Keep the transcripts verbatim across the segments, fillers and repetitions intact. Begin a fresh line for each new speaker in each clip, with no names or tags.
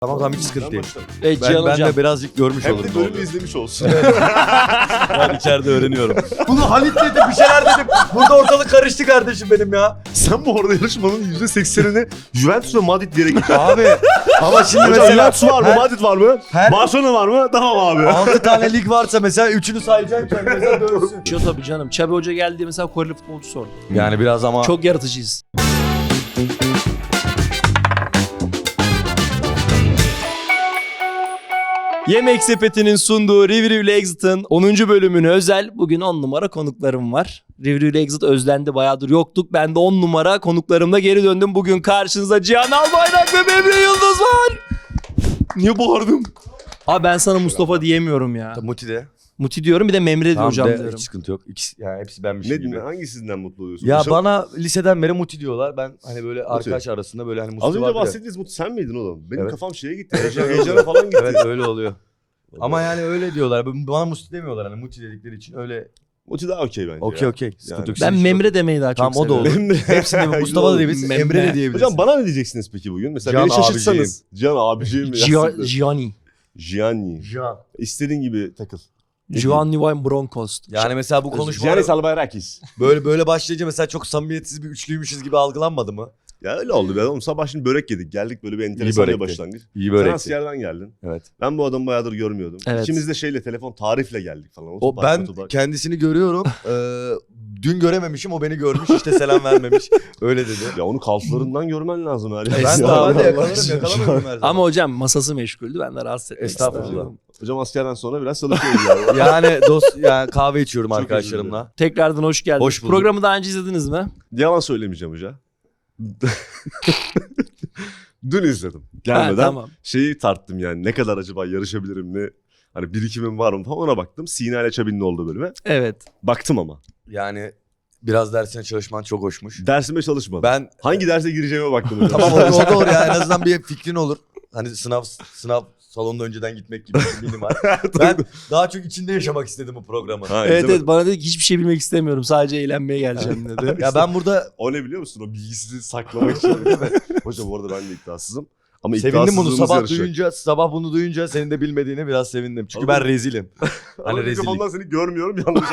Tamam tamam hiç sıkıntı değil.
Evet,
Ben,
Cihan
ben
hocam.
de birazcık görmüş
Hem
olurum.
de bölümü izlemiş olsun.
Ben içeride öğreniyorum.
Bunu Halit dedi, bir şeyler dedim. Burada ortalık karıştı kardeşim benim ya.
Sen bu arada yarışmanın yüzde seksenini Juventus ve Madrid diyerek geçtin.
Abi ama şimdi
Hocam
mesela
Juventus var mı?
her-
Madrid var mı?
her-
Barcelona var mı? Tamam abi.
altı tane lig varsa mesela üçünü sayacaksın ki mesela dönsün.
Şu tabii canım. Çabi Hoca geldi mesela Koreli futbolcu sordu.
Yani biraz ama
Çok yaratıcıyız. Yemek Sepeti'nin sunduğu Review ile Exit'in onuncu bölümüne özel bugün on numara konuklarım var. Review ile Exit özlendi, bayağıdır yoktuk. Ben de on numara konuklarımla geri döndüm. Bugün karşınızda Cihan Albayrak ve Memre Yıldız var. Niye bağırdım? Abi ben sana Mustafa diyemiyorum ya.
Muti de.
Muti diyorum, bir de Memre
Tamam
hocam
de,
diyorum.
hiç sıkıntı yok. İkisi, yani hepsi benmişim
Ne
gibi.
dinle? Hangisinden mutlu oluyorsun?
Ya
Hocam,
bana liseden beri Muti diyorlar. Ben hani böyle arkadaş arasında böyle hani Muti
az önce
vardır ya.
bahsettiğiniz Mutlu sen miydin oğlum? Benim
Evet.
kafam şeye gitti. Heyecan, heyecana falan gitti.
Evet öyle oluyor. Ama yani öyle diyorlar. Bana Muti demiyorlar hani Muti dedikleri için öyle.
Muti daha okey bence
Okey
ya.
okey. Sıkıntı
Yani.
yok.
Ben
Siz-
Memre demeyi daha çok
Tamam o da
seviyorum.
olur.
Memre.
Hepsini Mustafa da diyebilirsin,
Memre.
Emre de diyebilirsin.
Hocam bana ne diyeceksiniz peki bugün? Mesela
Cihan
beni şaşırtsanız. Cihan abiciğim.
Gia- Gianni.
Gianni.
Can.
İstediğin gibi takıl.
Gianni Wine Broncos.
Yani mesela bu konuşma
Giannis Albayrakis.
böyle böyle başlayınca mesela çok samimiyetsiz bir üçlüymüşüz gibi algılanmadı mı?
Ya öyle oldu be oğlum. Sabah şimdi börek yedik. Geldik böyle bir enteresan bir
börekti.
başlangıç.
İyi
Sen
börekti.
askerden geldin.
Evet.
Ben bu adamı bayağıdır görmüyordum.
Evet.
İkimiz de şeyle telefon tarifle geldik falan.
O
Otopark,
ben
otopark.
kendisini görüyorum. Ee, dün görememişim, o beni görmüş, işte selam vermemiş. Öyle dedi.
Ya onu kalflarından görmen lazım her
Ben
yerde.
normalde
Allah
yakalarım,
aşkına.
yakalamıyorum her zaman.
Ama hocam masası meşguldü. Ben de rahatsız etmek
Estağfurullah.
istemedim.
Hocam askerden sonra biraz çalışıyoruz yani.
Yani dost yani kahve içiyorum
Çok
arkadaşlarımla.
Tekrardan hoş geldiniz.
Hoş bulduk.
Programı daha önce izlediniz mi?
Yalan söylemeyeceğim hoca. Dün izledim. Gelmeden
Ha, tamam.
şeyi tarttım yani. Ne kadar acaba yarışabilirim, ne hani birikimim var mı falan, ona baktım. Sina ile Çabi'nin olduğu bölüme.
Evet.
Baktım ama.
Yani biraz dersine çalışman çok hoşmuş.
Dersime çalışmadım.
Ben
Hangi derse gireceğime baktım hocam.
tamam o, o da olur ya, en azından bir fikrin olur. Hani sınav sınav salonunda önceden gitmek gibi bir minimal. Ben daha çok içinde yaşamak istedim bu programı.
Ha,
Evet
izlemedim.
evet, bana dedi ki hiçbir şey bilmek istemiyorum. Sadece eğlenmeye geleceğim dedi.
Ya ben burada
O ne biliyor musun? O bilgisizliği saklamak için. Hocam bu arada ben de iddiasızım. Ama
sevindim bunu
iddiasızlığımız
sabah
yarışacak.
duyunca, sabah bunu duyunca senin de bilmediğini biraz sevindim. Çünkü
Oğlum,
ben rezilim.
Hani
Hani rezillik.
mikrofondan seni görmüyorum yalnız.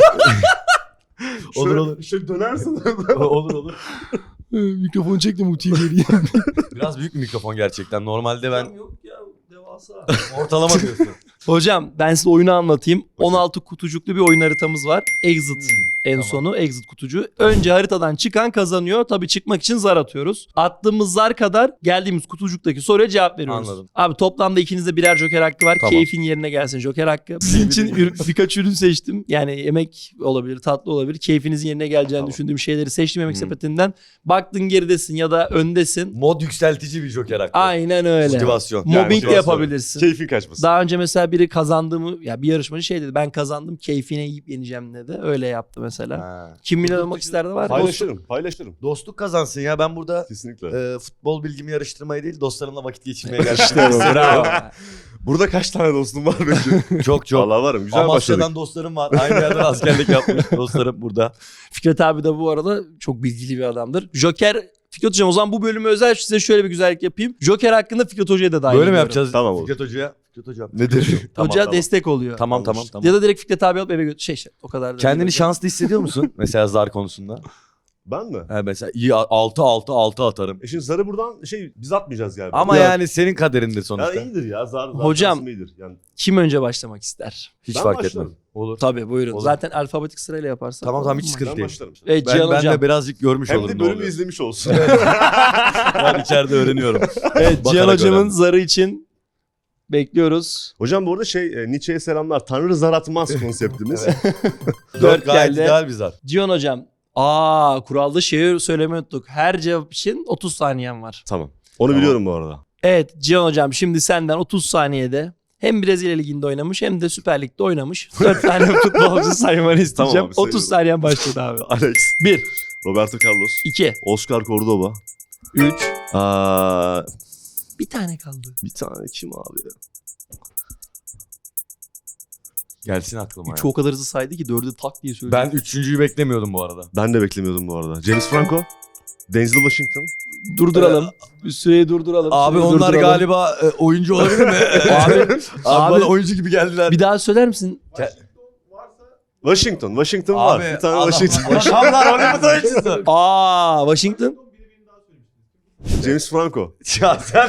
Olur, olur.
Şöyle dönersin.
olur olur.
Mikrofonu çektim, Muti'yi geriye.
Biraz büyük bir mikrofon gerçekten. Normalde ben
Yok ya, devasa.
ortalama diyorsun.
Hocam ben size oyunu anlatayım. on altı kutucuklu bir oyun haritamız var. Exit en
tamam.
sonu, exit kutucu. Önce haritadan çıkan kazanıyor. Tabii çıkmak için zar atıyoruz. Attığımız zar kadar geldiğimiz kutucuktaki soruya cevap veriyoruz.
Anladım.
Abi toplamda ikinizde birer joker hakkı var.
Tamam.
Keyfin yerine gelsin joker hakkı. Sizin için ür- birkaç ürün seçtim. Yani yemek olabilir, tatlı olabilir. Keyfinizin yerine geleceğini
Tamam.
düşündüğüm şeyleri seçtim yemek
Hı.
sepetinden. Baktın geridesin ya da öndesin.
Mod yükseltici bir joker hakkı.
Aynen öyle.
Motivasyon.
Yani
Mobbing de
biraz
yapabilirsin.
Keyfin kaçmasın.
Daha önce mesela biri kazandığımı, ya bir yarışmacı şey dedi, ben kazandım keyfine yiyip yeneceğim dedi. Öyle yaptı mesela.
Ha.
Kim milyon olmak isterdi var ya.
Paylaşırım, paylaşırım.
Dostluk kazansın ya, ben burada
Kesinlikle.
e, futbol bilgimi yarıştırmaya değil dostlarımla vakit geçirmeye geldim.
İşte bu,
Bravo.
Burada kaç tane dostum var peki?
Çok çok.
Vallahi varım. Güzel
Amasya'dan
başladık.
dostlarım var. Aynı yerden askerlik yapmış dostlarım burada.
Fikret abi de bu arada çok bilgili bir adamdır. Joker, Fikret hocam o zaman bu bölümü özel size şöyle bir güzellik yapayım. Joker hakkında Fikret hocaya da dahil
Böyle mi
ediyorum.
yapacağız?
Tamam olur.
Fikret Hoca'ya. Fikret Hocam.
Nedir?
Tamam,
Hoca
tamam.
destek oluyor.
Tamam tamam tamam.
Ya da direkt Fikret abi alıp eve götür. Şey şey o kadar da.
Kendini
değil.
şanslı hissediyor musun? Mesela zar konusunda.
Ben mi?
Ha, mesela iyi altı altı altı atarım.
E şimdi zarı buradan şey biz atmayacağız galiba.
Ama
Ya-
yani senin kaderindir
Ya
sonuçta.
iyidir ya zar. zar
Hocam-
şansım iyidir. Yani
Kim önce başlamak ister?
Hiç
Ben
fark
başlarım.
etmez. Olur.
Tabii buyurun.
Olur.
Zaten alfabetik sırayla yaparsak.
Tamam, tamam, hiç
Olmaz.
sıkıntı
ben
değil.
başlarım.
Evet
Ben,
Cihan
ben
hocam.
de birazcık görmüş
Hem
olurum.
de
ne
bölümü
oluyor.
izlemiş olsun.
Ben içeride öğreniyorum.
Evet Cihan
Bakarak
hocamın
öğrendim.
zarı için bekliyoruz.
Hocam bu arada şey e, Nietzsche'ye selamlar. Tanrı zar atmaz konseptimiz.
Dört gayet
geldi.
ideal bir zar.
Cihan hocam. Aa kuralda şeyi söylemeyi unuttuk. Her cevap için otuz saniyen var.
Tamam. Onu
Tamam.
biliyorum bu arada.
Evet Cihan hocam, şimdi senden otuz saniyede hem Brezilya Ligi'nde oynamış hem de Süper Lig'de oynamış dört tane futbolcu saymanı isteyeceğim.
Tamam abi,
otuz
sayıyorum.
saniyen başladı abi.
Alex,
bir,
Roberto Carlos,
iki,
Oscar Cordoba.
üç,
Aa,
bir tane kaldı.
bir tane kim abi ya?
Gelsin aklıma.
Üçü
ya.
o kadar hızlı saydı ki dördü tak diye söyledi.
Ben üçüncüyü beklemiyordum bu arada.
Ben de beklemiyordum bu arada. James Franco. Denzel Washington.
Durduralım. Bir süreyi durduralım.
Abi
süreyi
onlar
durduralım.
galiba e, oyuncu olabilir mi?
Abi,
abi,
abi-
bana oyuncu gibi geldiler.
Bir daha söyler misin?
Washington. Washington var.
Abi
Bir tane
adam-
Washington.
Adamlar Hollywood oyuncusu.
Aa, Washington.
James Franco.
Ya sen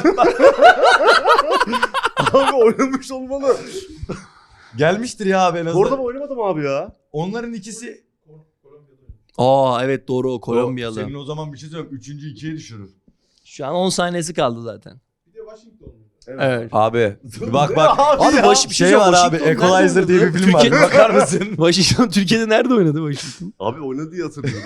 Abi oynamış olmalı.
gelmiştir ya abi en azından.
Orada mı oynamadım abi ya?
Onların ikisi
Aa evet doğru o Kolombiyalı.
Senin o zaman bir şey söyleyeyim. Üçüncü ikiye düşürür.
Şu an on saniyesi kaldı zaten. Evet.
Abi bak bak.
Abi
Abi
ya,
baş,
bir
şey
şey
var
söyleyeyim,
abi.
Washington
Equalizer
nerede
diye bir
oynadı?
film var.
Türkiye-
Bakar mısın?
Washington Türkiye'de nerede oynadı Washington?
Abi oynadı diye hatırlıyorum.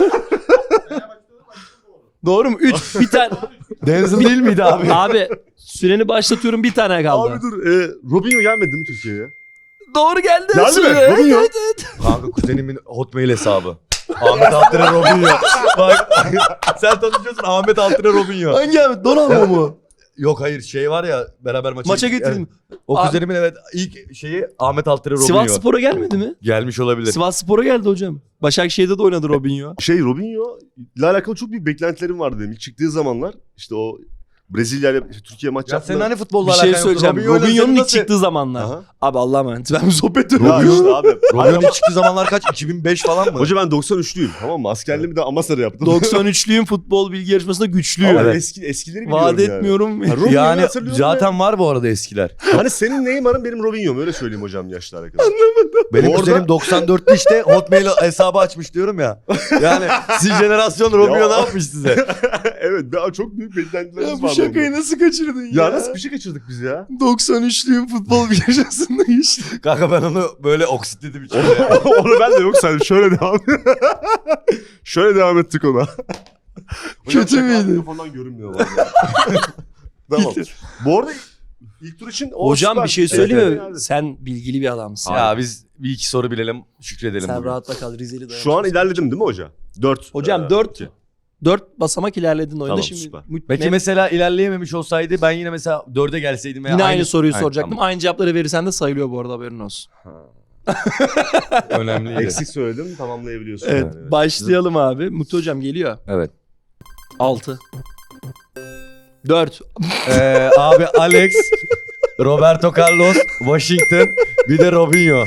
Doğru mu? üç bir tane.
Denzel değil miydi abi?
Abi süreni başlatıyorum bir tane kaldı.
Abi dur. E, Robinho gelmedi mi Türkiye'ye?
Doğru geldi.
Geldi mi?
Süre.
Robinho.
Evet, evet.
Kanka kuzenimin Hotmail hesabı. Ahmet Altıner Robinho. Bak sen tanışıyorsun Ahmet Altıner Robinho.
Hangi abi? Donalma mu?
Yok hayır şey var ya beraber maça,
Maça
gittik.
getirdim.
Evet. O
Abi-
kuzenimin evet ilk şeyi Ahmet Altıner Robinho.
Sivas Spor'a gelmedi mi?
Gelmiş olabilir.
Sivas Spor'a geldi hocam. Başakşehir'de de oynadı Robinho.
Şey Robinho ile alakalı çok büyük beklentilerim vardı benim. İlk çıktığı zamanlar işte o Brezilya ile işte Türkiye maç
Ya
yaptılar.
senin hani futbolla
Bir şey
alakan yoktu?
söyleyeceğim.
Robinho'yla
Robinho'nun
senin
ilk
nasıl-
çıktığı zamanlar.
Aha.
Abi Allah'a emanet. Ben bir sohbet
Ya
ediyorum.
işte abi.
Robinho'nun ilk çıktığı zamanlar kaç? iki bin beş falan mı?
Hoca ben doksan üçlüyüm tamam mı? Askerliğimi de Amasar'a yaptım.
doksan üçlüyüm futbol bilgi yarışmasında güçlüyüm.
Ama
Evet.
eski, eskileri biliyorum
Vaat
yani.
etmiyorum.
Ha, Robinho'yu
yani
hatırlıyorum
zaten var bu arada eskiler.
ve- Hani senin Neymar'ın benim Robinho'm öyle söyleyeyim hocam yaşlı arkadaş.
Benim
Orada-
kuzenim doksan dörtte işte Hotmail hesabı açmış diyorum ya. Yani siz jenerasyon Robinho
Ya.
ne yapmış size?
Evet ben çok büyük beklentilerimiz
Ya bu
vardı.
şakayı
onda.
nasıl kaçırdın ya?
Ya nasıl bir şey kaçırdık biz ya?
doksan üçlüyüm futbol bilgi yarışmasında işte.
Kanka ben onu böyle oksitledim içinde.
Onu ben de yok sen şöyle devam Şöyle devam ettik ona. Hocam,
Kötü
şaka
müydü?
Mikrofondan görünmüyor vallahi. Tamam. Bu arada ilk tur için o
Hocam
süper.
bir şey
Evet,
söyleyeyim mi?
evet, evet.
Sen bilgili bir adamsın.
Ya biz bir iki soru bilelim şükredelim.
Sen
bugün.
rahatla kal Rizeli dayan.
Şu an ilerledim değil mi hoca? dört.
Hocam dört dört basamak ilerledin oyunda
Tamam,
şimdi.
süper.
mü-
Peki
mem-
mesela ilerleyememiş olsaydı ben yine mesela dörde gelseydim. veya
yine aynı, soruyu
Aynen,
soracaktım.
tamam.
Aynı cevapları verirsen de sayılıyor bu arada haberin olsun.
Önemliydi.
Eksik söyledim tamamlayabiliyorsun.
Evet,
yani, evet.
başlayalım abi. Mutlu hocam geliyor.
Evet.
altı. dört.
Ee, abi Alex, Roberto Carlos, Washington, bir de Robinho.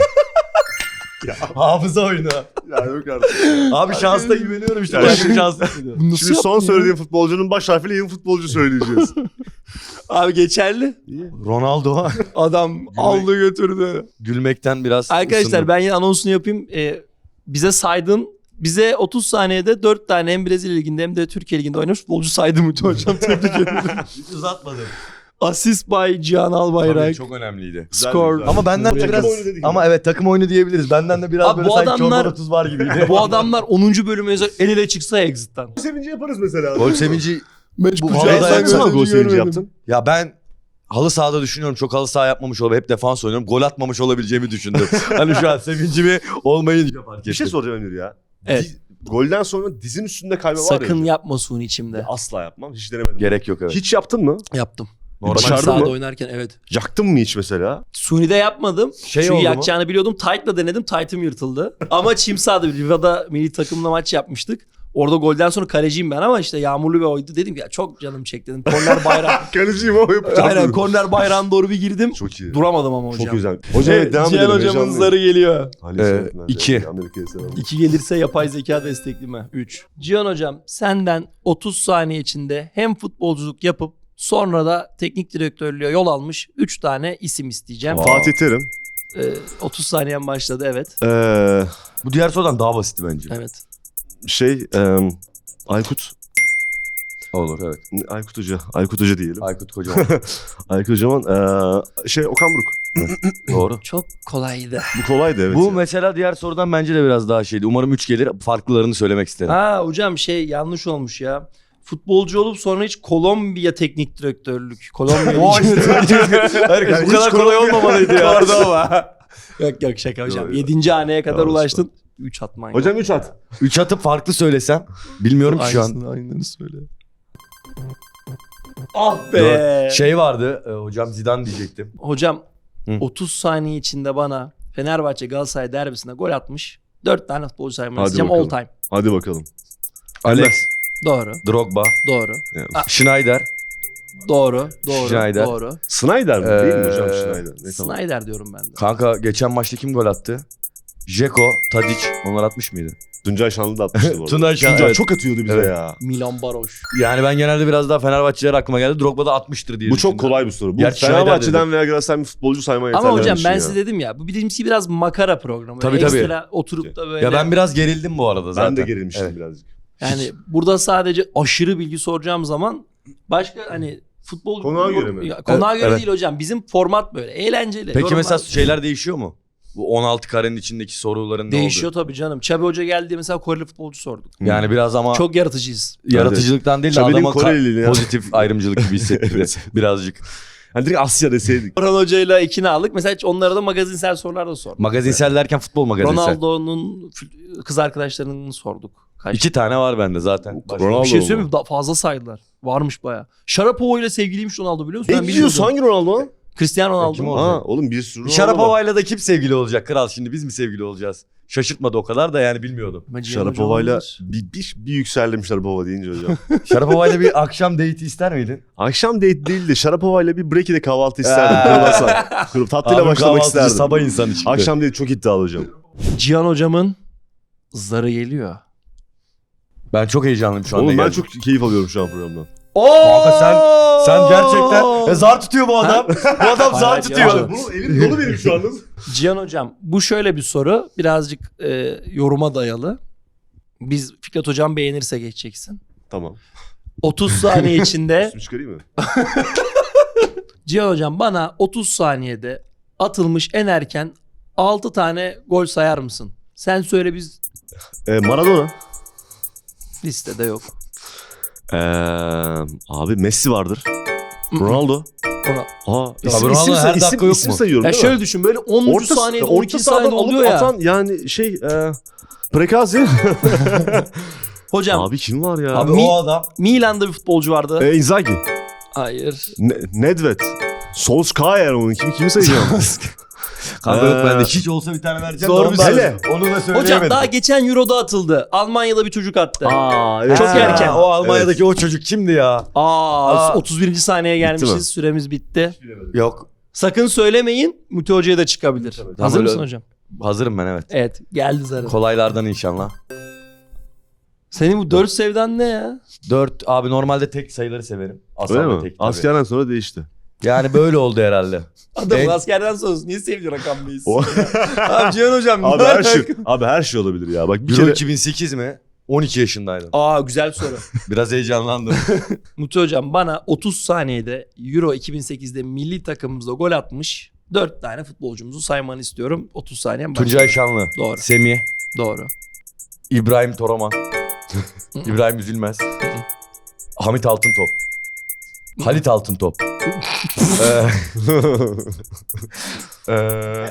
Hafıza oyunu.
Ya yok artık.
Abi şansta güveniyorum işte.
Ya
Başka
şimdi-
bir şansta güveniyorum.
Bunu nasıl
Şimdi son
yaptın ya?
söylediğim futbolcunun baş harfiyle yeni futbolcu söyleyeceğiz.
Abi geçerli.
Ronaldo
Adam aldı götürdü.
gülmekten biraz
Arkadaşlar
ısındım.
ben yine anonsunu yapayım. Ee, bize saydın. Bize otuz saniyede dört tane hem Brezilya Ligi'nde hem de Türkiye Ligi'nde oynamış futbolcu saydı Mutlu hocam. Tebrik ederim.
Hiç uzatmadım.
Asist by Cihan Albayrak.
Tabii, çok önemliydi.
Güzel,
Skor.
güzel.
Ama benden de
Takım
biraz
oyunu dedik
ama
ya.
evet takım oyunu diyebiliriz. Benden de biraz
Abi
böyle
bu
sanki
adamlar-
çorba otuz var gibiydi.
Bu adamlar onuncu bölümü özel el ele çıksa Exit'ten.
Gol sevinci yaparız mesela.
Gol sevinci
Meç
Bu
kucağı
havada
sen
yapsana
Sen
gördün,
gol sevinci
görmedim.
yaptın.
ya ben halı sahada düşünüyorum. Çok halı saha yapmamış olabilir. Hep defans oynuyorum. Gol atmamış olabileceğimi düşündüm. Hani şu an sevincimi olmayınca fark ettim.
Bir şey soracağım Emir ya.
Evet.
Di- golden sonra dizin üstünde kayma var ya.
Sakın yapma suni içimde.
Asla yapmam. Hiç denemedim.
Gerek yok evet.
Hiç yaptın mı?
Yaptım.
Normal
Dışarıda
Sahada
mı?
oynarken evet.
Yaktın mı hiç mesela?
Suni'de yapmadım.
Şey
Çünkü
oldu mu?
yakacağını biliyordum. Tight'la denedim. Tight'ım yırtıldı. Ama çim sahada Riva'da milli takımla maç yapmıştık. Orada golden sonra kaleciyim ben ama işte yağmurlu bir oydu. Dedim ki ya çok canım çekti dedim. Korner bayrağı.
Kaleciyim ama yapacağım.
Aynen korner bayrağına doğru bir girdim.
Çok iyi.
Duramadım ama hocam.
Çok güzel. Hocam evet, devam
Cihan
edelim.
hocamın
heyecanlıyım.
zarı geliyor.
Ali
Ee,
Seyitmen de,
iki.
Amerika'ya selam.
İki gelirse yapay zeka destekli mi? Üç. Cihan hocam senden otuz saniye içinde hem futbolculuk yapıp sonra da teknik direktörlüğe yol almış üç tane isim isteyeceğim.
Aa.
Fatih Terim.
Ee, otuz saniyen başladı evet.
Ee,
Bu diğer sorudan daha basitti bence.
Evet.
şey e, Aykut.
Olur evet.
Aykut Hoca. Aykut Hoca diyelim.
Aykut Kocaman.
Aykut Hocaman. ee, şey Okan Buruk.
Doğru.
Çok kolaydı.
Bu kolaydı evet.
Bu
ya.
mesela diğer sorudan bence de biraz daha şeydi. Umarım üç gelir. Farklılarını söylemek isterim.
Ha hocam şey yanlış olmuş ya. Futbolcu olup sonra hiç Kolombiya teknik direktörlük. Kolombiya
O işte. Hayır,
Yani
bu kadar
hiç
kolay
Kolombiya-
olmamalıydı ya.
Cordova. yok yok şaka hocam.
Yok, yok.
Yedinci haneye kadar
Tamam,
ulaştın. Üç atman yok.
Hocam üç at.
Üç atıp farklı söylesem. Bilmiyorum ki şu an.
Aynısını, aynısını söyle. Ah be.
Şey vardı. e, hocam Zidane diyecektim.
Hocam
Hı.
otuz saniye içinde bana Fenerbahçe Galatasaray derbisinde gol atmış. dört tane futbolcu saymayı
Hadi
isteyeceğim all
bakalım.
time.
Hadi bakalım.
Alex.
Doğru.
Drogba.
Doğru.
Yani,
Ah.
Schneider.
Doğru. Doğru.
Schneider.
Doğru.
Snyder mi? Değil mi hocam
Ee,
Schneider? Ne tamam.
Snyder diyorum ben de.
Kanka geçen maçta kim gol attı? Dzeko, Tadic. Onlar atmış mıydı?
Tuncay Şanlı da atmıştı bu arada.
Tunay Şan,
Tuncay
evet.
çok atıyordu bize
Evet.
ya.
Milan Baroş.
Yani ben genelde biraz daha Fenerbahçeler aklıma geldi. Drogba da atmıştır diye
Bu çok
düşündüm.
kolay bir soru. Bu
Gerçi Schneider
Fenerbahçe'den veya Galatasaray'ın bir futbolcu saymaya yeterli.
Ama hocam
bir
ben
şey
size
ya.
dedim ya bu bizimki biraz makara programı.
Tabii,
Böyle
tabii.
Ekstra oturup da böyle.
Ya ben biraz gerildim bu arada zaten.
Ben de gerilmiştim
Evet.
birazcık.
Yani burada sadece aşırı bilgi soracağım zaman başka hani futbol
Konuğa göre mi?
Ya, konuğa
Evet,
göre
evet.
değil hocam. Bizim format böyle. Eğlenceli.
Peki
Yorumlar-
mesela şeyler değişiyor mu? Bu on altı karenin içindeki soruların ne
değişiyor
oldu?
tabii canım. Çabi Hoca geldi mesela Koreli futbolcu sorduk.
Yani biraz ama
Çok yaratıcıyız.
yaratıcılıktan değil de
Şabi'nin
adama ka-
Koreliliğini ya.
pozitif ayrımcılık gibi hissettirdi birazcık.
Hani direkt Asya deseydik.
Orhan Hoca'yla ikna aldık. Mesela hiç onlara da magazinsel sorular da sorduk.
Magazinsel derken futbol magazinsel.
Ronaldo'nun f- kız arkadaşlarının sorduk. Kaç?
İki tane var bende zaten.
Ronaldo
Bir şey
mu?
söyleyeyim mi? Da- Fazla saydılar. Varmış baya. Şarapova ile sevgiliymiş Ronaldo biliyor musun?
Ne
Ben
diyorsun?
bilmiyordum.
Hangi Ronaldo?
Cristiano
Kim
Ronaldo.
o?
Ha oğlum bir sürü Ronaldo var.
Şarapova'yla da kim sevgili olacak kral şimdi biz mi sevgili olacağız? Şaşırtmadı o kadar da yani bilmiyordum.
Ama Cihan Hoca
Şarapova'yla
olabilir.
bir, bir, bir yükseldim Şarapova deyince hocam.
Şarapova'yla bir akşam date ister miydin?
Akşam date değil de Şarapova'yla bir break'ide kahvaltı isterdim. Kruvasan. Kruv tatlıyla
Abi
başlamak
kahvaltıcı
isterdim.
sabah insanı çıktı.
Akşam değil çok iddialı hocam.
Cihan hocamın zarı geliyor.
Ben çok heyecanlıyım şu anda.
Oğlum ben
geldim.
çok keyif alıyorum şu an programdan.
Kanka sen sen gerçekten e, zar tutuyor bu adam. bu adam
Hayır,
zar
hayır,
tutuyor.
Cihan
Bu elim dolu benim şu anda.
Cihan hocam bu şöyle bir soru. Birazcık e, yoruma dayalı. Biz Fikret hocam beğenirse geçeceksin.
Tamam.
otuz saniye içinde
Üstümü çıkarayım mı?
Cihan hocam bana otuz saniyede atılmış en erken altı tane gol sayar mısın? Sen söyle biz
Ee, Maradona.
listede yok.
Ee, abi Messi vardır. Ronaldo.
Ona...
Aa, isim,
Ronaldo
isim,
her
isim,
dakika yok
isim
mu?
sayıyorum
Ya
değil
şöyle
mi?
düşün böyle onuncu saniyede on
orta
ikinci
sahadan
saniyede
alıp
oluyor ya.
atan yani şey e, Prekazi.
Hocam
Abi kim var ya?
Abi
Mi-
o adam
Milan'da bir futbolcu vardı.
E, Inzaghi.
Hayır.
Ne, Nedved. Solskjaer onun kimi kimi sayacağım?
kanka yok
Ee,
bende hiç olsa bir tane vereceğim.
zor
de onu
bir
da-
Hele.
Onu da söyleyemedim.
Hocam daha geçen Euro'da atıldı. Almanya'da bir çocuk attı.
Aa, evet.
Çok
Ha,
erken.
O Almanya'daki o çocuk kimdi ya?
Aa,
Aa.
otuz birinci saniyeye
mi?
gelmişiz. Süremiz bitti.
Yok.
Sakın söylemeyin. Müte Hoca'ya da çıkabilir.
Tamam,
Hazır
öyle-
mısın hocam?
Hazırım ben evet.
Evet. Geldi zarı.
Kolaylardan inşallah.
Senin bu dört sevdan ne ya?
Dört abi normalde tek sayıları severim. Asal
Öyle
ve
mi?
tek tabii.
Askerden sonra değişti.
Yani böyle oldu herhalde.
Adam
En-
askerden sonrası niye sevdi rakam beyiz?
O-
Abi Cihan hocam.
abi
ne
her şey
alaka?
abi her şey olabilir ya. Bak bir
Euro
kere
iki bin sekiz mi? on iki yaşındaydım.
Aa güzel soru.
Biraz heyecanlandım.
Mutlu hocam bana otuz saniyede Euro iki bin sekizde milli takımımızda gol atmış dört tane futbolcumuzu saymanı istiyorum. otuz saniyem başlıyor.
Tuncay Şanlı.
Doğru.
Semih.
Doğru.
İbrahim Toraman. İbrahim Üzülmez. Hamit Altıntop. Halit Altıntop. Ee, ee,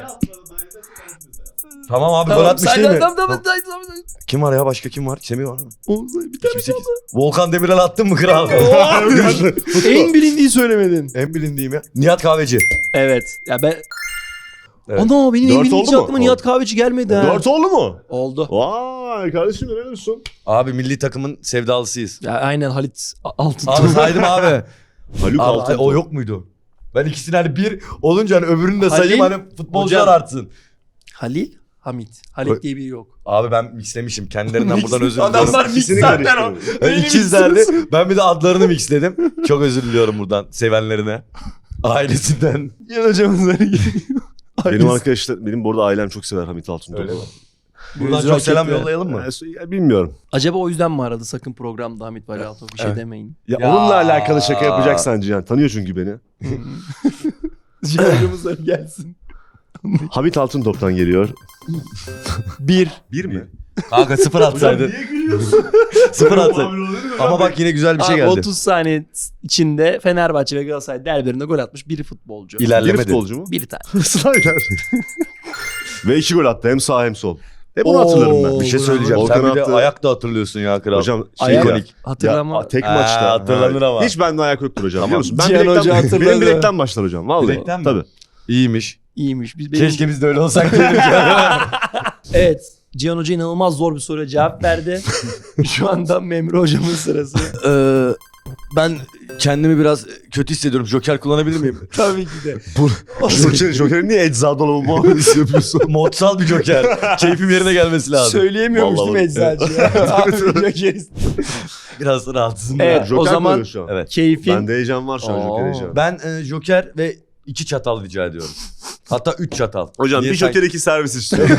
tamam abi gol atmış değil mi?
Tamam tamam tamam. tamam.
Kim var ya başka kim var? Semih var mı?
Oğlum, Bir tane
iki bin sekiz. Volkan Demirel attın mı kral?
en bilindiği söylemedin.
en bilindiğim ya. Nihat Kahveci.
Evet. Ya ben
Evet.
Ana benim en
Dört
bilindiği
oldu mu?
aklıma Nihat Kahveci gelmedi ha.
dört oldu mu?
Oldu.
Vay kardeşim ne diyorsun?
Abi milli takımın sevdalısıyız.
Ya aynen Halit Altın.
Abi saydım abi.
Haluk
abi
Altın.
o yok muydu? Ben ikisini hani bir olunca hani öbürünü de sayayım
Halil,
hani futbolcular
hocam.
artsın.
Halil Hamit.
Ö-
Halit diye biri yok.
Abi ben mixlemişim. Kendilerinden buradan özür diliyorum.
Adamlar mix
İkisini
zaten o.
karıştırdım.
Ben
Benim
ikizlerdi.
miximiz.
Ben bir de adlarını mixledim. Çok özür diliyorum buradan sevenlerine. Ailesinden.
Cihan hocamızları geliyor.
Benim arkadaşlar benim bu arada ailem çok sever Hamit Altıntop'u.
Öyle mi? Buradan
Yüzü
çok
hak
selam
etti.
yollayalım mı?
Ee, ya bilmiyorum.
Acaba o yüzden mi aradı sakın programda Hamit Vali Altın? Bir şey
Evet.
demeyin.
Ya,
Ya.
onunla alakalı şaka yapacaksan Cihan. Tanıyor çünkü beni.
Cihan hocamızlar gelsin.
Hamit Altıntop'tan geliyor.
Bir.
Bir mi?
Kanka sıfır atsaydın.
gülüyorsun?
Sıfır atsaydın. Ama bak yine güzel bir şey
Abi
geldi.
otuz saniye içinde Fenerbahçe ve Galatasaray derbilerinde gol atmış bir futbolcu.
Bir
İlerlemedi.
futbolcu mu?
Bir tane.
Snyder. Ve iki gol attı hem sağ hem sol. Hep onu
Oo.
hatırlarım ben.
Bir şey
Bravo.
söyleyeceğim.
Volkan
Sen bir de
attı.
ayak da hatırlıyorsun ya kral.
Hocam şey
Ayak-
ya,
ikonik.
Hatırlama.
ya, tek
Ha,
maçta.
hatırlanır
Ha,
ama.
Hiç bende ayak yoktur hocam
Tamam.
biliyor musun? Ben
Cihan
bilekten,
Hoca hatırladı.
benim bilekten başlar hocam. Vallahi.
Bilekten mi?
Tabii.
İyiymiş.
İyiymiş. Biz benim...
Keşke biz de öyle olsak diyelim ki.
Evet. Cihan Hoca inanılmaz zor bir soruya cevap verdi. Şu anda Memre Hocamın sırası.
Ee, ben kendimi biraz kötü hissediyorum. Joker kullanabilir miyim?
Tabii ki de.
Joker, Joker'in niye ecza dolabı muamelesi yapıyorsun?
Modsal bir Joker. Keyfim yerine gelmesi lazım.
Söyleyemiyormuş
Vallahi
değil mi eczacı? Abi Joker.
Biraz rahatsızım.
Evet,
ya.
Joker
o zaman
koyuyor şu an.
Evet.
Keyfin.
Bende heyecan var şu an, Joker
Oo.
heyecanı.
Ben e, Joker ve iki çatal rica ediyorum. Hatta üç çatal.
Hocam
Niye
bir
sanki-
Joker iki servis istiyorum.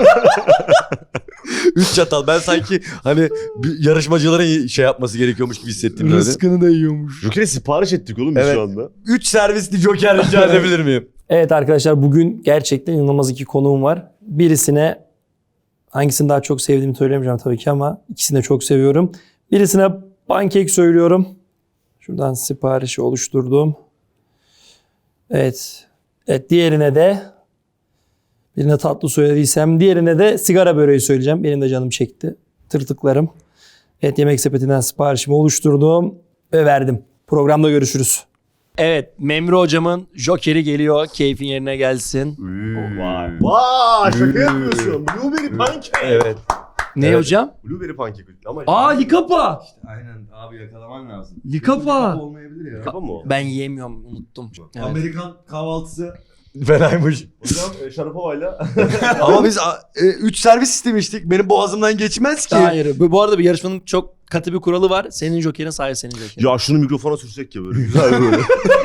Üç çatal. Ben sanki hani bir yarışmacıların şey yapması gerekiyormuş gibi hissettim böyle.
Rızkını da yiyormuş.
Joker'e sipariş ettik oğlum biz
Evet.
şu anda.
Üç servisli Joker rica edebilir miyim?
Evet arkadaşlar, bugün gerçekten inanılmaz iki konuğum var. Birisine hangisini daha çok sevdiğimi söylemeyeceğim tabii ki ama ikisini de çok seviyorum. Birisine pankek söylüyorum. Şuradan siparişi oluşturdum. Evet. Evet, diğerine de birine tatlı söylediysem diğerine de sigara böreği söyleyeceğim. Benim de canım çekti. Tırtıklarım. Evet, Yemek Sepeti'nden siparişimi oluşturdum ve verdim. Programda görüşürüz. Evet, Memre Hocamın Joker'i geliyor. Keyfin yerine gelsin.
Vay. Vay şaka yapıyorsun. Blueberry pancake.
Evet.
Ne
Evet.
hocam?
Blueberry pancake. Ama
Aa, likapa.
Aynen abi yakalaman lazım.
Likapa.
Olmayabilir ya.
Kapa mı o?
Ben yiyemiyorum, unuttum. Evet.
Amerikan kahvaltısı fenaymış.
Hocam e, Şarapova'yla.
Ama biz a, e, üç servis istemiştik. Benim boğazımdan geçmez ki.
Hayır. Bu, bu arada bir yarışmanın çok katı bir kuralı var. Senin Joker'in sadece senin Joker'in.
Ya şunu mikrofona sürsek ya böyle güzel böyle.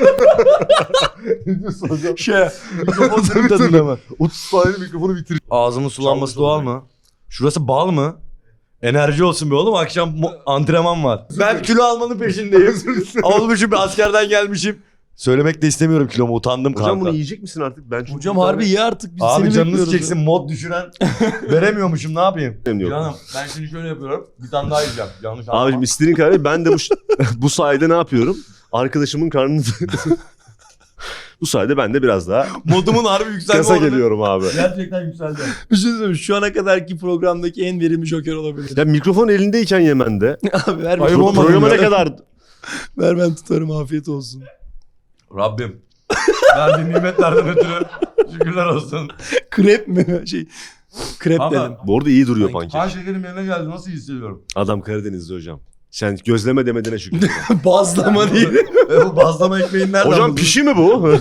Ne diyorsun hocam?
Şey, mikrofon tadında mı?
otuz saniye mikrofonu bitir.
Ağzımın sulanması
Çalmış
doğal mı? Şurası bal mı? Enerji olsun be oğlum, akşam mo- antrenman var. Ben kilo almanın peşindeyim. Olmuşum, askerden gelmişim. Söylemek de istemiyorum kilomu, utandım
Hocam
kanka.
bunu yiyecek misin artık? Ben çünkü
Hocam
bir tane-
harbi ye artık. Biz
Abi
seni
canınız
bekliyoruz
çeksin,
ya.
mod düşüren veremiyormuşum, ne yapayım?
Benim yok.
Canım ben şimdi şöyle yapıyorum, bir tane daha yiyeceğim. Yanlış anlama.
Abicim istediğin kadar ben de bu, bu sayede ne yapıyorum? Arkadaşımın karnını... bu sayede ben de biraz daha
Modumun harbi yükselme
kasa
oranı
geliyorum abi.
gerçekten yükseldi.
Bir şey söyleyeyim. Şu ana kadarki programdaki en verimli Joker olabilir.
Ya mikrofon elindeyken yemen de.
Abi ver.
Ayıp
bir-
olmadı
Programa
ya.
ne kadar...
Ver, ben tutarım, afiyet olsun.
Rabbim verdiğin nimetlerden ötürü şükürler olsun.
Krep mi? Şey, krep
Ama-
dedim.
Bu arada iyi duruyor
Pankek.
Kan
pankek.
şekerim yerine geldi, nasıl hissediyorum?
Adam Karadenizli hocam. Sen gözleme demediğine şükür.
Bazlama değil.
E bu bazlama ekmeğin nereden
Hocam
buldun?
pişi mi bu?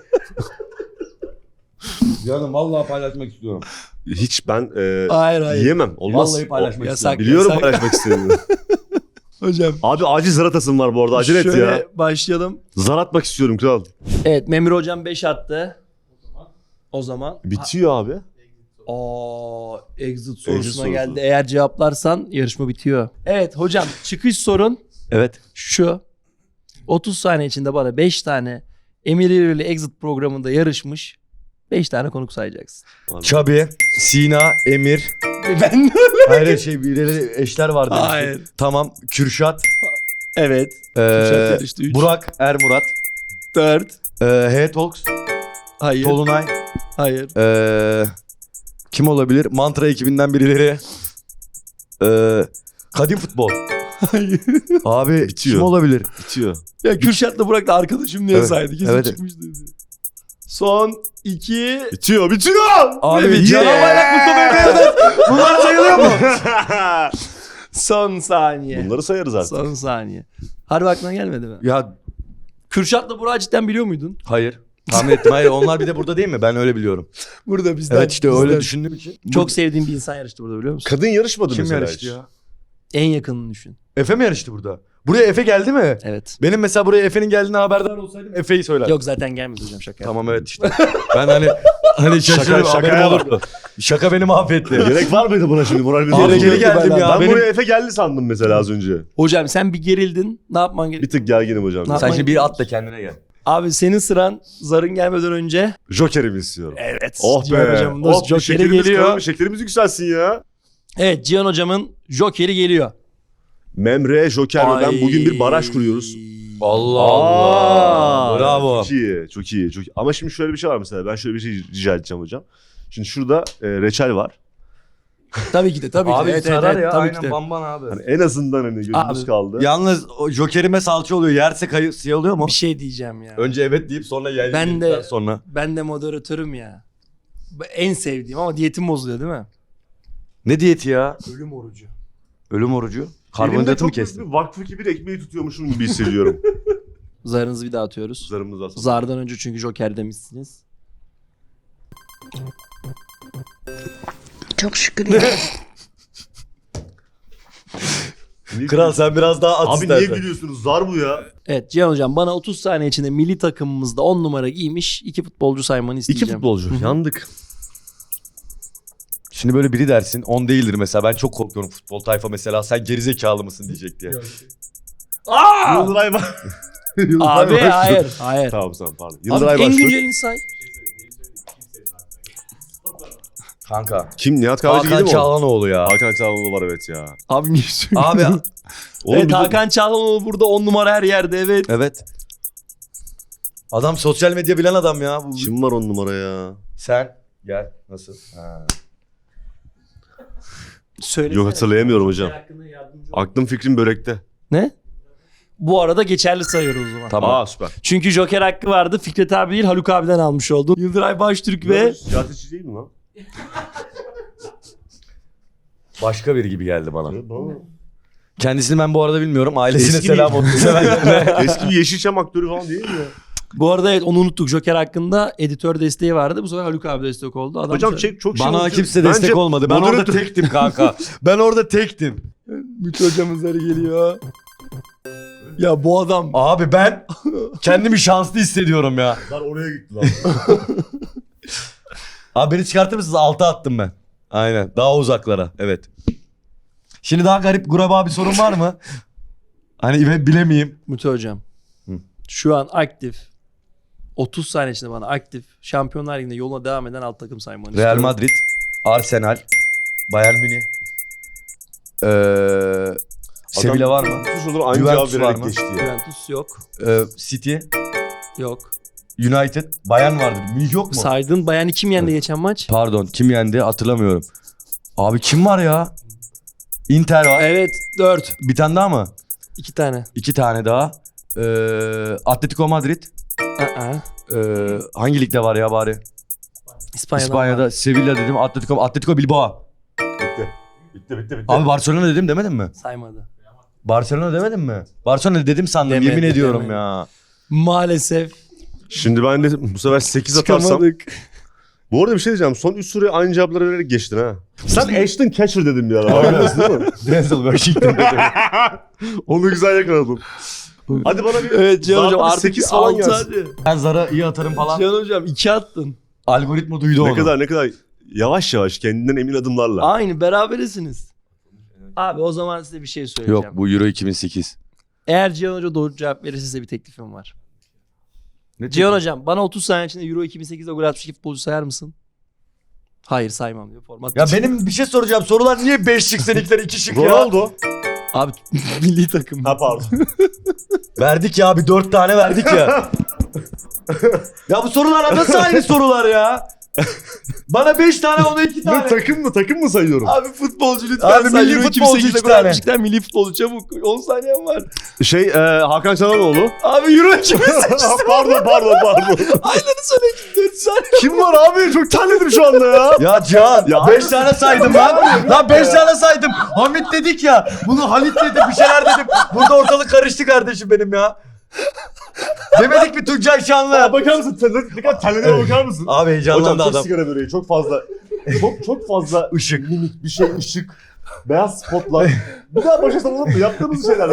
Canım vallahi paylaşmak istiyorum.
Hiç ben e,
Hayır hayır.
yiyemem. Olmaz.
Vallahi paylaşmak
O-
Yasak.
Biliyorum
yasak.
paylaşmak istediğini.
Hocam.
Abi acil zar atasım var bu arada. Acele et
Şöyle
ya.
başlayalım.
Zar atmak istiyorum kral.
Evet, Memur Hocam beş attı. O zaman.
Bitiyor abi.
Aa, exit sorusuna
sorusu.
geldi. Eğer cevaplarsan yarışma bitiyor. Evet hocam, çıkış sorun
Evet.
şu. otuz saniye içinde bana beş tane Emir İrili Exit programında yarışmış beş tane konuk sayacaksın.
Çabi, Sina, Emir.
Ben
Hayır şey birileri eşler var demiştik.
Hayır.
Tamam. Kürşat.
Evet.
Ee,
Kürşat yarıştı, üç.
Burak, Ermurat.
dört.
Ee, H Talks.
Hayır.
Tolunay.
Hayır.
Ee, kim olabilir? Mantra ekibinden birileri. Ee, Kadim Futbol.
Hayır.
Abi
Bitiyor.
kim olabilir?
Bitiyor.
Ya Kürşat'la Burak da arkadaşım diye
Evet,
saydı. Kesin
evet.
çıkmış dedi. Son iki.
Bitiyor, bitiyor.
Abi
Evet,
Cihan
yeah.
Bayrak Mustafa Bey'den. Bunlar sayılıyor mu?
Son saniye.
Bunları sayarız artık.
Son saniye. Harbi aklına gelmedi mi?
Ya
Kürşat'la Burak'ı cidden biliyor muydun?
hayır. Tahmin ettim. Hayır onlar bir de burada değil mi? Ben öyle biliyorum.
Burada bizden.
Evet işte öyle
bizden.
düşündüğüm için.
Çok sevdiğim bir insan yarıştı burada, biliyor musun?
Kadın yarışmadı
Kim
mesela
yarıştı
hiç.
ya?
En yakınını düşün.
Efe mi yarıştı burada? Buraya Efe geldi mi?
Evet.
Benim mesela buraya Efe'nin geldiğine haberdar olsaydım Efe'yi söylerdim.
Yok zaten gelmedi hocam, şaka.
Tamam evet işte. Ben hani hani
Şaka,
şaşırıyorum
şakaya
haberim
bak.
olurdu. Şaka beni mahvetti.
Gerek var mıydı buna şimdi? Moral bir
Abi
bozuldu.
geri geldim
Ben-
ya.
Ben
Benim...
buraya Efe geldi sandım mesela az önce.
Hocam sen bir gerildin. Ne yapman
Bir
gerekiyor?
tık gerginim hocam.
Ne
Sen
yapman
şimdi bir at da kendine gel.
Abi senin sıran zarın gelmeden önce.
Joker'imi istiyorum.
Evet.
Oh
Cihan
be.
hocamın da
Oh,
Joker'i
şekerimiz
geliyor.
kalın, şekerimiz yükselsin ya.
Evet, Cihan hocamın Joker'i geliyor.
Memre, Joker ve ben bugün bir baraj kuruyoruz.
Allah
Aa,
Allah. Bravo.
Çok iyi, çok iyi, çok iyi. Ama şimdi şöyle bir şey var mesela. Ben şöyle bir şey rica edeceğim hocam. Şimdi şurada e, reçel var.
Tabii ki de, tabii
Abi
ki de. Evet,
sarar
evet,
ya
tabii ki
aynen
de.
bamban abi.
Hani en azından hani gözümüz
Abi,
kaldı.
Yalnız o jokerime salça oluyor. Yerse kayı siyah oluyor mu?
Bir şey diyeceğim ya.
Önce evet deyip sonra yer
Ben
yedikten
de-
sonra.
Ben de moderatörüm ya. En sevdiğim ama diyetim bozuluyor değil mi?
Ne diyeti ya?
Ölüm orucu.
Ölüm orucu.
Elimde
Karbonhidratı mı
çok büyük
kestin?
bir vakfı gibi bir ekmeği tutuyormuşum gibi hissediyorum.
Zarınızı bir daha atıyoruz.
Zarımız aslında.
Zardan önce çünkü Joker demişsiniz.
Çok şükür ya.
Niye
Kral sen biraz daha at
Abi
istersen.
niye gülüyorsunuz? Zar bu ya.
Evet Cihan Hocam bana otuz saniye içinde milli takımımızda on numara giymiş iki futbolcu saymanı
İki
isteyeceğim.
futbolcu. Yandık.
Şimdi böyle biri dersin on değildir mesela. Ben çok korkuyorum futbol tayfa mesela. Sen gerizekalı mısın diyecek diye.
Aa!
Yıldıray var. Yıldıray
Abi
var.
hayır hayır.
Tamam tamam pardon.
Abi
Yıldıray
en
başlıyor.
güncelini say.
Kanka.
Kim? Nihat Kahveci
Hakan
gibi mi o?
Çağlanoğlu ya.
Hakan Çağlanoğlu var evet ya.
Abi niye söylüyorsun?
Abi
Oğlum
evet
bir de-
Hakan Çalhanoğlu burada on numara her yerde evet.
evet. Adam sosyal medya bilen adam ya. Bu...
Kim var on numara ya?
Sen gel. Nasıl? Ha.
Söylesene.
Yok hatırlayamıyorum hocam.
Hakkında yardımcı ol.
Aklım fikrim börekte.
Ne? Bu arada geçerli sayıyoruz o zaman.
Tamam.
Aa süper.
Çünkü Joker hakkı vardı. Fikret abi değil Haluk abiden almış oldun. Yıldıray Baştürk ve
Siyasetçi değil mi lan?
Başka biri gibi geldi bana.
Evet, bana-
Kendisini ben bu arada bilmiyorum. Ailesine
Eski
selam
bir-
olsun. Sevenlerine.
Eski bir Yeşilçam aktörü falan değil mi ya?
bu arada evet onu unuttuk. Joker hakkında editör desteği vardı. Bu sefer Haluk abi destek oldu. Adam
Hocam
söyledi.
çek çok şey
Bana
olmuş.
kimse destek
Bence
olmadı. Ben
moderatör-
orada tektim kanka. Ben orada tektim.
Mütü hocamızları geliyor. Ya bu adam
Abi ben kendimi şanslı hissediyorum ya.
Lan oraya gitti lan.
Abi beni çıkartır mısınız? Alta attım ben. Aynen. Daha uzaklara. Evet. Şimdi daha garip guraba bir sorun var mı? Hani ben bilemeyeyim.
Mütü hocam.
Hı.
Şu an aktif. otuz saniye içinde bana aktif. Şampiyonlar Ligi'nde yoluna devam eden alt takım saymanı
Real
istiyorum.
Madrid, Arsenal, Bayern Münih. Ee, Sevilla var mı?
Sus olur aynı
Juventus
cevap
var
vererek
mı?
geçti ya.
Juventus yok.
Ee, City,
Yok.
United, Bayern vardır. Münih yok mu?
Saydığın Bayern'i kim yendi geçen maç?
Pardon, kim yendi hatırlamıyorum. Abi kim var ya? Inter var.
Evet dört.
Bir tane daha mı?
İki tane.
İki tane daha. Ee, Atletico Madrid.
Aa.
Ee, hangi ligde var ya bari?
İspanya'da.
İspanya'da Sevilla dedim. Atletico Atletico Bilbao.
Bitti. Bitti bitti bitti.
Abi Barcelona dedim demedim mi?
Saymadı.
Barcelona demedim mi? Barcelona dedim sandım.
Demedi,
yemin ediyorum
demedi.
ya.
Maalesef
Şimdi ben de bu sefer sekiz atarsam.
çıkamadık.
Bu arada bir şey diyeceğim. Son üç soruyu aynı cevapları vererek geçtin ha. Sen Ashton Kutcher dedim bir ara. Biliyorsun değil mi?
Denzel Washington dedim.
Onu güzel yakaladım. Hadi bana bir
Evet Cihan
zarfı
hocam
bir
artık
sekiz falan
altı
gelsin.
hadi.
Ben Zara iyi atarım falan.
Cihan hocam iki attın.
Algoritma duydu onu.
Ne kadar ne kadar yavaş yavaş kendinden emin adımlarla.
Aynı berabersiniz. Abi o zaman size bir şey söyleyeceğim.
Yok bu Euro iki bin sekiz.
Eğer Cihan Hoca doğru cevap verirse size bir teklifim var.
Ne
Cihan Hocam bana otuz saniye içinde Euro iki bin sekizde gol atmış iki futbolcu sayar mısın? Hayır saymam diyor format.
Ya benim bir şey soracağım. Sorular niye beş şık seninkiler iki şık ya?
Ronaldo.
Abi milli takım.
Ha pardon.
Verdik ya bir dört tane verdik ya. Ya bu sorular nasıl aynı sorular ya? Bana beş tane ona iki
Ne
tane.
takım mı takım mı sayıyorum?
Abi futbolcu lütfen
Abi
say.
milli
Euro
futbolcu
iki bin sekizde
iki
gol
tane.
atmışlar. Milli futbolcu çabuk. on saniyen var.
Şey e, Hakan Çalhanoğlu.
Abi Euro iki bin sekizde.
pardon pardon pardon.
Aynını söyle. dört saniye.
Kim var abi? Çok terledim şu anda ya.
Ya Cihan
Ya
beş tane saydım lan. Lan beş tane saydım. Hamit dedik ya. Bunu Halit dedi bir şeyler dedim. Burada ortalık karıştı kardeşim benim ya. Demedik mi Tuncay
Aa,
Şanlı?
bakar mısın? Terle- Ne kadar terlediğine bakar mısın?
Abi
Hocam
heyecanlandı
çok
adam.
sigara böreği. Çok fazla. Çok çok fazla
Işık.
mimik bir şey ışık. Beyaz spotlar. Bir daha başlasam olur mu? Yaptığımız şeyler.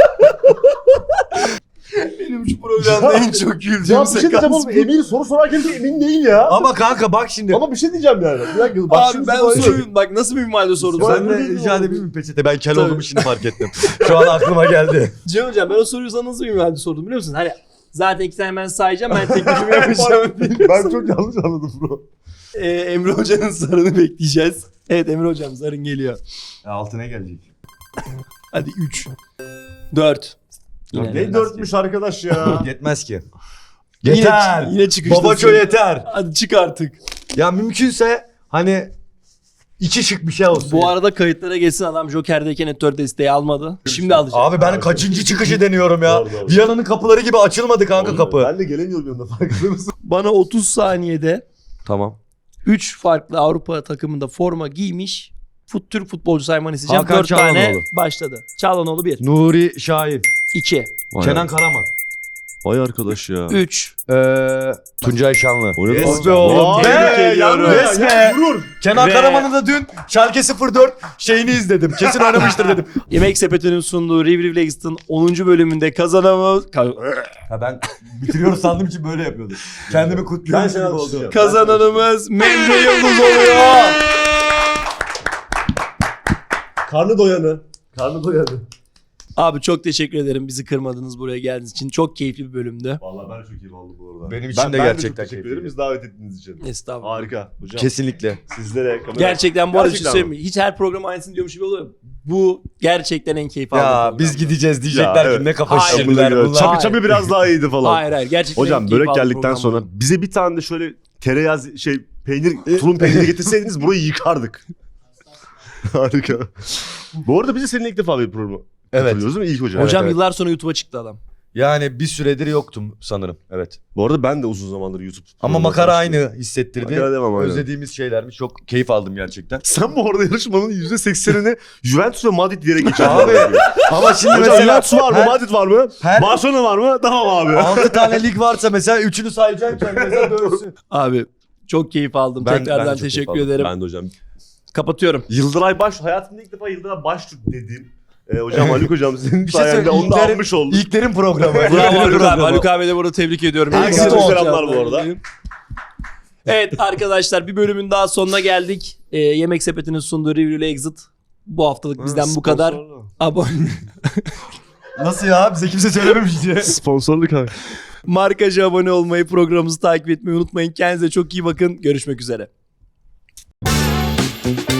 Benim şu programda en çok güldüğüm
Ya bir şey diyeceğim
sekans
oğlum.
bu.
Emin soru sorarken de emin değil ya.
Ama kanka bak şimdi.
Ama bir şey diyeceğim yani. Bir dakika. Bak
Abi
şimdi
ben
sana-
soruyu bak nasıl bir minvalde sordum.
Sen-
Sen
Sen
de rica edebilir miyim peçete? Ben kel
Tabii.
olduğumu şimdi fark ettim. Şu an aklıma geldi.
Cihan hocam ben o soruyu sana nasıl bir minvalde sordum biliyor musun? Hani zaten iki tane ben sayacağım ben teklifimi yapacağım.
Ben çok yanlış anladım bro.
Ee, Emre hocanın zarını bekleyeceğiz. Evet Emre hocam zarın geliyor.
Altına gelecek.
Hadi üç. dört. Yine,
Ne dörtmüş arkadaş ya.
Yetmez ki.
Yine-
Yeter.
yine çıkıştasın.
Babaço yeter.
Hadi çık artık.
Ya mümkünse hani iki şık bir şey olsun.
Bu arada kayıtlara geçsin adam Joker'deyken editör desteği almadı. Şimdi alacak.
Abi ben kaçıncı çıkışı deniyorum ya.
Doğru, doğru.
Viyana'nın kapıları gibi açılmadı kanka kapı.
Ben de gelemiyorum yanında farkında mısın?
Bana otuz saniyede
Tamam.
üç farklı Avrupa takımında forma giymiş fut, Türk futbolcu saymanı isteyeceğim.
Hakan
dört tane
Çalhanoğlu.
başladı. Çağlanoğlu bir.
Nuri Şahin.
iki.
Vay,
Kenan Karaman.
vay arkadaş ya.
üç.
Ee, Tuncay Şanlı.
O ne
Yes
lan?
be oğlum.
Vay
Be,
be,
yalnız. Yes be. Kenan
Ve-
Karaman'ın da dün Schalke sıfır dört şeyini izledim. Kesin oynamıştır dedim.
Yemek Sepeti'nin sunduğu Riv Riv Exit'in onuncu bölümünde kazanamaz...
Ha ben bitiriyoruz sandım için böyle yapıyordum. Kendimi kutluyorum.
Ben seni
gibi oldu.
alkışlayacağım.
Kazananımız Memre Yıldız oluyor.
Karnı doyanı. Karnı doyanı.
Abi çok teşekkür ederim bizi kırmadınız, buraya geldiğiniz için. Çok keyifli bir bölümdü.
Vallahi ben çok iyi oldu bu arada.
Benim için
ben,
de
ben
gerçekten
çok teşekkür
keyifli.
ederim bizi davet ettiğiniz için.
Estağfurullah.
Harika hocam.
Kesinlikle.
Sizlere kamera.
Gerçekten bu arada
Gerçekten
şey söyleyeyim mi? Hiç her program aynısını diyormuş gibi oluyor. Bu gerçekten en keyif aldığım
Ya
program.
biz gideceğiz diyecekler
Ya,
ki
evet.
ne kafa
Hayır.
şişirdiler
Bunlar
bunlar.
Çapı
Hayır.
çapı biraz daha iyiydi falan.
Hayır hayır gerçekten en
Hocam
keyif
börek
aldığım
geldikten
program
sonra
bu.
bize bir tane de şöyle tereyağı şey peynir, tulum peyniri getirseydiniz burayı yıkardık. Harika. Bu arada bize seninle ilk defa bir programı
Evet.
hatırlıyoruz değil mi? İlk hocam.
Hocam
evet.
yıllar sonra YouTube'a çıktı adam.
Yani bir süredir yoktum sanırım. Evet.
Bu arada ben de uzun zamandır YouTube.
Ama
programına
makara
çalıştım.
aynı hissettirdi.
Makara devam, aynen.
Özlediğimiz şeylermiş. Çok keyif aldım gerçekten.
Sen bu arada yarışmanın yüzde seksenini Juventus ve Madrid diyerek geçerdin.
Abi ama şimdi
Hocam
mesela
Juventus var mı?
her-
Madrid var mı?
her-
Barcelona var mı? Tamam abi.
altı tane lig varsa mesela üçünü sayacaksın mesela dönsün.
Abi çok keyif aldım.
Ben-
Tekrardan
ben de çok
teşekkür
keyif aldım.
ederim.
Ben de hocam.
Kapatıyorum.
Yıldıray Baş, hayatımda ilk defa Yıldıray Baştürk dediğim. E, hocam Haluk hocam senin
Bir şey
sayende
söyleyeyim.
onu da
İlklerin-
almış olduk.
İlklerin programı.
Bravo
İlklerin
Haluk abi.
programı.
Haluk abi de burada tebrik ediyorum.
Herkese
Haluk abi,
selamlar bu arada.
Evet arkadaşlar bir bölümün daha sonuna geldik. Ee, Yemek Sepeti'nin sunduğu Review ile Exit. Bu haftalık bizden bu kadar. Abone.
Nasıl ya? Bize kimse söylememiş diye.
Sponsorluk abi.
Markajı abone olmayı, programımızı takip etmeyi unutmayın. Kendinize çok iyi bakın. Görüşmek üzere.